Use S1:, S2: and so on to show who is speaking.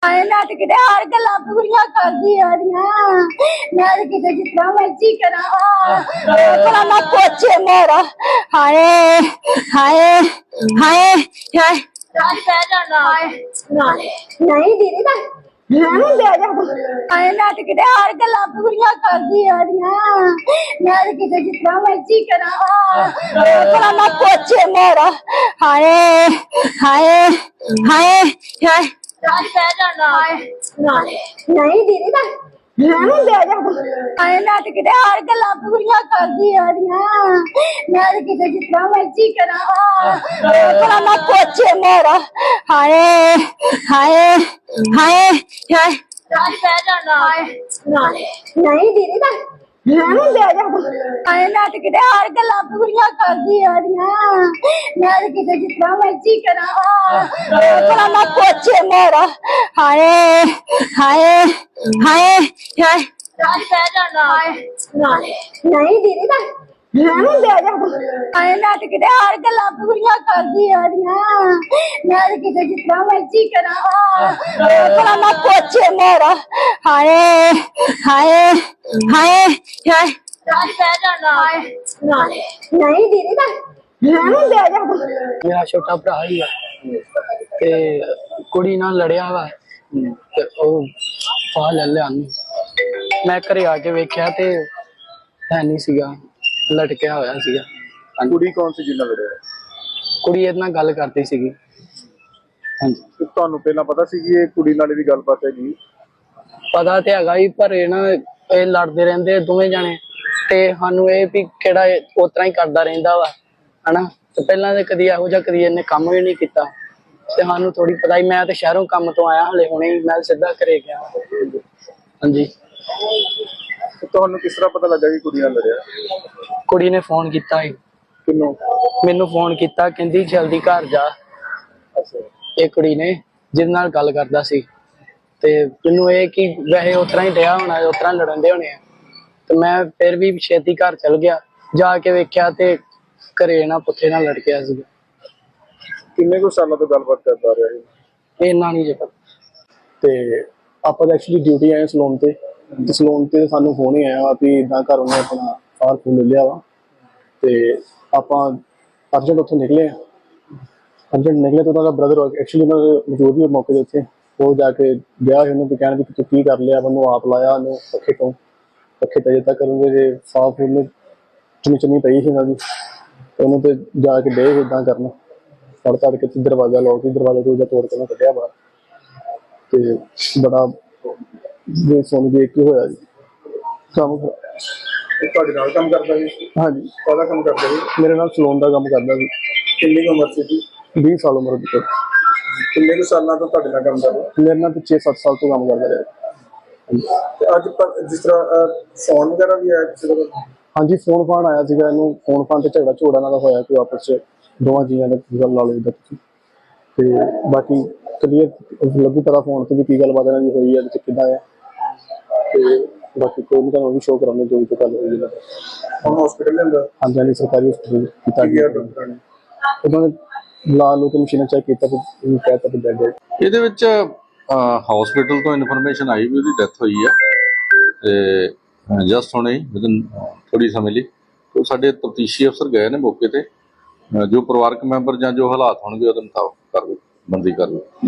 S1: ਆਏ ਨਾ ਤੇ ਕਿਤੇ ਹਰ ਗੱਲਾਂ ਪੂਰੀਆਂ ਕਰਦੀ ਆ ਰਹੀਆਂ ਮੈਂ ਤੇ ਕਿਤੇ ਜਿੱਦਾਂ ਮਰਜ਼ੀ ਕਰਾਂ ਭਲਾ ਨਾ ਪੁੱਛੇ ਮੇਰਾ ਹਾਏ ਹਾਏ ਹਾਏ ਹਾਏ ਰਾਜ ਪੈ ਜਾਣਾ ਨਹੀਂ ਦੀਦੀ ਤਾਂ ਮੈਂ ਨਹੀਂ ਬਹਿ ਜਾ ਆਏ ਨਾ ਤੇ ਕਿਤੇ ਹਰ ਗੱਲਾਂ ਪੂਰੀਆਂ ਕਰਦੀ ਆ ਰਹੀਆਂ ਮੈਂ ਤੇ ਕਿਤੇ ਜਿੱਦਾਂ ਮਰਜ਼ੀ ਕਰਾਂ ਭਲਾ ਨਾ ਪੁੱਛੇ ਮੇਰਾ ਹਾਏ ਹਾਏ ਹਾਏ ਹਾਏ ਰਾਜ ਪੈ ਜਾਣਾ ਨਹੀਂ ਦੀਦੀ ਤਾਂ ਮੈਂ ਨਹੀਂ ਬਹਿ ਜਾ ਆਏ ਨਾ ਤੇ ਕਿਤੇ ਹਰ ਗੱਲਾਂ ਪੂਰੀਆਂ ਕਰਦੀ ਆ ਰਹੀਆਂ ਮੈਂ ਤੇ ਕਿਤੇ ਜਿੱਦਾਂ ਮਰਜ਼ੀ ਕਰਾਂ ਭਲਾ ਨਾ ਪੁੱਛੇ ਮੇਰਾ ਹਾਏ ਹਾਏ ਹਾਏ ਹਾਏ ਰਾਜ ਪੈ ਜਾਣਾ ਨਹੀਂ ਦੀਦੀ ਤਾਂ ਮੈਂ ਨਹੀਂ ਬਹਿ ਜਾ ਆਏ ਨਾ ਤੇ ਕਿਤੇ ਹਰ ਗੱਲਾਂ ਪੂਰੀਆਂ ਕਰਦੀ ਆ ਰਹੀਆਂ ਮੈਂ ਤੇ ਕਿਤੇ ਜਿੱਦਾਂ ਮਰਜ਼ੀ ਕਰਾਂ ਭਲਾ ਨਾ ਪੁੱਛੇ ਮੇਰਾ ਹਾਏ ਹਾਏ ਹਾਏ ਹਾਏ ਰਾਜ ਪੈ ਜਾਣਾ ਨਹੀਂ ਦੀਦੀ ਤਾਂ ਮੈਂ ਨਹੀਂ ਬਹਿ ਜਾ ਆਏ ਨਾ ਤੇ ਕਿਤੇ ਹਰ ਗੱਲਾਂ ਪੂਰੀਆਂ ਕਰਦੀ ਆ ਰਹੀਆਂ ਮੈਂ ਤੇ ਕਿਤੇ ਜਿੱਦਾਂ ਮਰਜ਼ੀ ਕਰਾਂ ਭਲਾ ਨਾ ਪੁੱਛੇ ਮੇਰਾ ਹਾਏ ਹਾਏ ਹਾਏ ਹਾਏ ਰਾਜ ਪੈ ਜਾਣਾ ਨਹੀਂ ਦੀਦੀ ਤਾਂ ਮੈਂ ਨਹੀਂ ਬਹਿ ਜਾ
S2: ਮੇਰਾ ਛੋਟਾ ਭਰਾ ਹੀ ਆ ਤੇ ਕੁੜੀ ਨਾਲ ਲੜਿਆ ਵਾ ਤੇ ਉਹ ਫਾਹ ਲੈ ਲਿਆ ਮੈਂ ਘਰੇ ਆ ਕੇ ਵੇਖਿਆ ਤੇ ਹੈ ਨਹੀਂ ਸੀਗਾ, ਲਟਕਿਆ ਹੋਇਆ ਸੀਗਾ।
S3: ਕੁੜੀ ਕੌਣ ਸੀ ਜਿੰਨਾ ਲੜਿਆ?
S2: ਕੁੜੀ ਇਹਦੇ ਨਾਲ ਗੱਲ ਕਰਦੀ ਸੀਗੀ। ਹਾਂਜੀ,
S3: ਤੁਹਾਨੂੰ ਪਹਿਲਾਂ ਪਤਾ ਸੀ ਕਿ ਇਹ ਕੁੜੀ ਨਾਲ ਇਹਦੀ ਗੱਲਬਾਤ ਹੈਗੀ?
S2: ਪਤਾ ਤੇ ਹੈਗਾ ਹੀ, ਪਰ ਇਹ ਲੜਦੇ ਰਹਿੰਦੇ ਦੋਵੇਂ ਜਾਣੇ ਤੇ ਸਾਨੂੰ ਇਹ ਵੀ ਕਿਹੜਾ ਉਸ ਤਰ੍ਹਾਂ ਹੀ ਕਰਦਾ ਰਹਿੰਦਾ ਵਾ ਹਨਾ। ਤੇ ਪਹਿਲਾਂ ਤੇ ਕਦੀ ਇਹੋ ਜਿਹਾ ਕਦੀ ਇਹਨੇ ਕੰਮ ਵੀ ਨਹੀਂ ਕੀਤਾ ਤੇ ਸਾਨੂੰ ਥੋੜੀ ਪਤਾ ਹੀ। ਮੈਂ ਤੇ ਸ਼ਹਿਰੋਂ ਕੰਮ ਤੋਂ ਆਇਆ ਹਲੇ ਹੁਣੇ, ਮੈਂ ਸਿੱਧਾ ਘਰੇ ਗਿਆ। ਹਾਂਜੀ,
S3: ਤੁਹਾਨੂੰ ਕਿਸ ਤਰ੍ਹਾਂ ਪਤਾ ਲੱਗਾ ਕਿ ਕੁੜੀ ਨਾਲ ਲੜਿਆ?
S2: ਕੁੜੀ ਨੇ ਫੋਨ ਕੀਤਾ ਸੀ।
S3: ਕਿੰਨੂੰ?
S2: ਮੈਨੂੰ ਫੋਨ ਕੀਤਾ, ਕਹਿੰਦੀ ਜਲਦੀ ਘਰ ਜਾ। ਇਹ ਕੁੜੀ ਨੇ ਜਿਹਦੇ ਨਾਲ ਗੱਲ ਕਰਦਾ ਸੀ ਤੇ ਮੈਨੂੰ ਇਹ ਕਿ ਵੈਸੇ ਉਸ ਤਰ੍ਹਾਂ ਹੀ ਡਿਆ ਹੋਣਾ, ਉਸ ਤਰ੍ਹਾਂ ਲੜਨ ਦੇ ਹੋਣੇ ਆ। ਤੇ ਮੈਂ ਫਿਰ ਵੀ ਛੇਤੀ ਘਰ ਚਲ ਗਿਆ, ਜਾ ਕੇ ਵੇਖਿਆ ਤੇ ਘਰੇ ਨਾ ਪੁੱਠੇ ਨਾਲ ਲੜ ਗਿਆ ਸੀ।
S3: ਕਿੰਨੇ ਕੁ ਸਾਲਾਂ ਤੋਂ ਗੱਲਬਾਤ ਕਰਦਾ ਰਿਹਾ ਇਹ?
S2: ਇੰਨਾ ਨਹੀਂ ਜੇ ਪਤਾ।
S3: ਤੇ ਆਪਾਂ ਤਾਂ ਐਕਚੁਅਲੀ ਡਿਊਟੀ ਆਏ ਸਲੂਨ ਤੇ ਸਲੂਨ ਤੇ ਸਾਨੂੰ ਫੋਨ ਹੀ ਆਇਆ ਵਾ ਵੀ ਇਦਾਂ ਘਰ ਉਹਨੇ ਆਪਣਾ ਫਾਰ ਫੂਲ ਲੈ ਲਿਆ ਵਾ ਤੇ ਆਪਾਂ ਅਰਜੈਂਟ ਉੱਥੋਂ ਨਿਕਲੇ ਤਾਂ ਉਹਦਾ ਬ੍ਰਦਰ ਐਕਚੁਅਲੀ ਮੌਜੂਦ ਹੀ ਮੌਕੇ ਦੇ ਉੱਤੇ। ਉਹ ਜਾ ਕੇ ਗਿਆ ਉਹਨੂੰ ਵੀ ਕਹਿਣ ਵੀ ਤੂੰ ਕੀ ਕਰ ਲਿਆ, ਮੈਨੂੰ ਆਪ ਲਾਇਆ ਉਹਨੂੰ ਪੱਖੇ ਤੇ ਅਜੇ ਤੱਕ ਉਹਦੇ ਜੇ ਸਾਫ ਉਹਨੇ ਚੁੰਨੀ ਪਈ ਸੀ ਉਹਨਾਂ ਦੀ, ਉਹਨੂੰ ਤੇ ਜਾ ਕੇ ਡੇ ਇੱਦਾਂ ਕਰਨਾ ਤੜ ਕੇ ਦਰਵਾਜ਼ਾ ਲੋਕ ਦਰਵਾਜ਼ਾ ਦੂਜਾ ਤੋੜ ਕੇ ਉਹਨੂੰ ਕੱਢਿਆ ਬਾਹਰ। ਤੇ ਬੜਾ ਸੁਣ ਦੇਖ ਕੇ ਹੋਇਆ ਜੀ ਕੰਮ। ਤੁਹਾਡੇ ਨਾਲ ਕੰਮ ਕਰਦਾ ਸੀ? ਹਾਂਜੀ। ਕਾਹਦਾ ਕੰਮ ਕਰਦਾ ਸੀ? ਮੇਰੇ ਨਾਲ ਸਲੂਨ ਦਾ ਕੰਮ ਕਰਦਾ ਸੀ। ਕਿੰਨੀ ਉਮਰ ਸੀ ਜੀ? 20 ਸਾਲ ਉਮਰ ਦੀ। ਕਿੰਨੇ ਕੁ ਸਾਲਾਂ ਤੋਂ ਤੁਹਾਡੇ ਨਾਲ ਕੰਮ ਕਰਦਾ? ਮੇਰੇ ਨਾਲ 6-7 ਸਾਲ ਤੋਂ ਕੰਮ ਕਰਦਾ ਰਿਹਾ। ਤੇ ਅੱਜ ਜਿਸ ਤਰ੍ਹਾਂ ਫੋਨ ਵਗੈਰਾ ਵੀ ਆਇਆ ਕਿਸੇ ਦਾ? ਹਾਂਜੀ, ਫੋਨ ਫਾਨ ਆਇਆ ਸੀਗਾ ਇਹਨੂੰ। ਫੋਨ ਫਾਨ ਤੇ ਝਗੜਾ ਨਾਲ ਹੋਇਆ ਕੋਈ ਆਪਸ ਚ ਦੋਵਾਂ ਜੀਆਂ ਨੇ ਗੱਲ ਲਾ ਲਈ ਤੁਸੀਂ। ਤੇ ਬਾਕੀ ਕਲੀਅਰ ਲੱਗੂ ਪਤਾ ਫੋਨ ਤੇ ਵੀ ਕੀ ਗੱਲਬਾਤ ਇਹਨਾਂ ਦੀ ਹੋਈ ਹੈ ਤੇ ਕਿੱਦਾਂ ਆ। ਤੇ ਬਾਕੀ ਕੋਈ ਨਹੀਂ, ਤੁਹਾਨੂੰ ਵੀ ਸ਼ੋਅ ਕਰਾਂਗੇ ਜੋ ਵੀ ਗੱਲ ਹੋਈ ਹੈ। ਹੁਣ ਹਸਪੀਟਲ ਦੇ ਅੰਦਰ? ਹਾਂਜੀ ਹਾਂਜੀ, ਸਰਕਾਰੀ ਹਸਪੀਟਲ ਕੀਤਾ ਗਿਆ। ਡਾਕਟਰਾਂ ਨੇ ਉਹਨਾਂ ਨੇ ਲਾ ਲੋ ਕੇ ਮਸ਼ੀਨਾਂ ਚੈੱਕ ਕੀਤਾ ਤੇ ਇਹਨੂੰ ਕਹਿਤਾ ਕਿ ਡੈਡ ਹੈ।
S4: ਇਹਦੇ ਵਿੱਚ ਹਸਪੀਟਲ ਤੋਂ ਇਨਫੋਰਮੇਸ਼ਨ ਆਈ ਵੀ ਉਹਦੀ ਡੈਥ ਹੋਈ ਹੈ ਤੇ ਜਸਟ ਹੁਣੇ ਵਿਦਨ ਥੋੜੀ ਸਮੇਂ ਲਈ ਤੋਂ ਸਾਡੇ ਤਫਤੀਸ਼ੀ ਅਫਸਰ ਗਏ ਨੇ ਮੌਕੇ ਤੇ। ਜੋ ਪਰਿਵਾਰਕ ਮੈਂਬਰ ਜਾਂ ਜੋ ਹਾਲਾਤ ਹੋਣਗੇ ਉਹਦੇ ਮੁਤਾਬਕ ਬਣਦੀ ਕਾਰਵਾਈ।